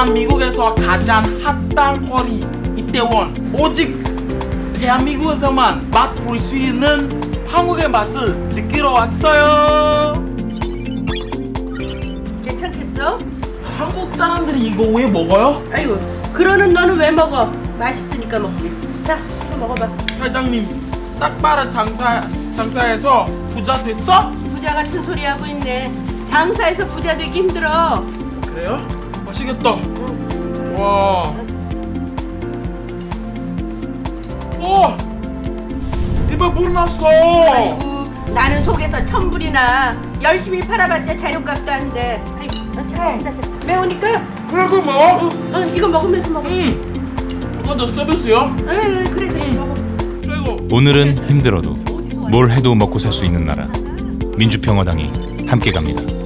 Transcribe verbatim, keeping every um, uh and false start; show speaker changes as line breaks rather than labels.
대한민국에서 가장 핫한 거리 이태원. 오직 대한민국에서만 맛볼 수 있는 한국의 맛을 느끼러 왔어요.
괜찮겠어?
한국 사람들이 이거 왜 먹어요?
아이고, 그러는 너는 왜 먹어? 맛있으니까 먹지. 자, 이거 먹어봐.
사장님, 딱 봐라 장사 장사해서 부자 됐어?
부자 같은 소리 하고 있네. 장사해서 부자 되기 힘들어.
그래요? 맛있겠다. 와. 오! 입에 물 났어.
아이고, 나는 속에서 천불이나 열심히 팔아봤자 재료값도 안 돼. 아이고, 자, 자, 자. 매우니까
그래 그 뭐?
응, 응, 이거 먹으면서 먹어.
음. 이거 너 서비스요?
에이, 그래, 그래,
음.
먹어.
그리고
오늘은 힘들어도 뭘 해도 먹고 살 수 있는 나라 민주평화당이 함께 갑니다.